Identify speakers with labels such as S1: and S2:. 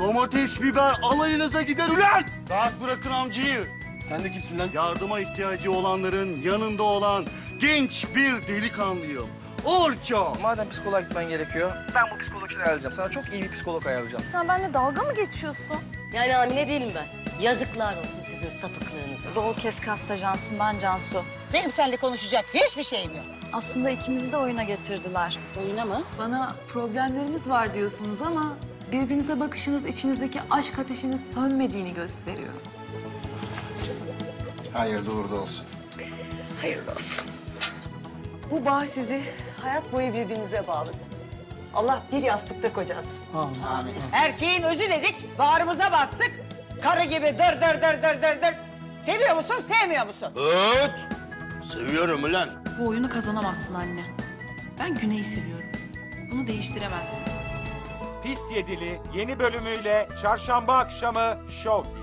S1: Domates, biber alayınıza gider ulan! Rahat bırakın amcayı.
S2: Sen de kimsin lan?
S1: Yardıma ihtiyacı olanların yanında olan genç bir delikanlıyım. Orço!
S3: Madem psikoloğa gitmen gerekiyor, ben bu psikolog için ayarlayacağım. Sana çok iyi bir psikolog ayarlayacağım.
S4: Sen benimle dalga mı geçiyorsun?
S5: Yani hamile değilim ben. Yazıklar olsun sizin sapıklığınıza.
S4: Doğu Keskast Ajansı'ndan Cansu.
S6: Benim seninle konuşacak hiçbir şeyim yok.
S4: Aslında ikimizi de oyuna getirdiler.
S5: Oyuna mı?
S7: Bana problemlerimiz var diyorsunuz ama birbirinize bakışınız içinizdeki aşk ateşinin sönmediğini gösteriyor.
S8: Hayırlı uğurlu olsun.
S5: Hayırlı olsun.
S9: Bu bağ sizi hayat boyu birbirinize bağlasın. Allah bir yastıkta kocasın.
S8: Amin.
S6: Erkeğin özü dedik, bağrımıza bastık. Karı gibi dır dır dır dır dır dır. Seviyor musun, sevmiyor musun?
S1: Evet! Seviyorum ulan.
S7: Bu oyunu kazanamazsın anne. Ben Güney'i seviyorum. Bunu değiştiremezsin.
S10: Pis Yedili yeni bölümüyle çarşamba akşamı Show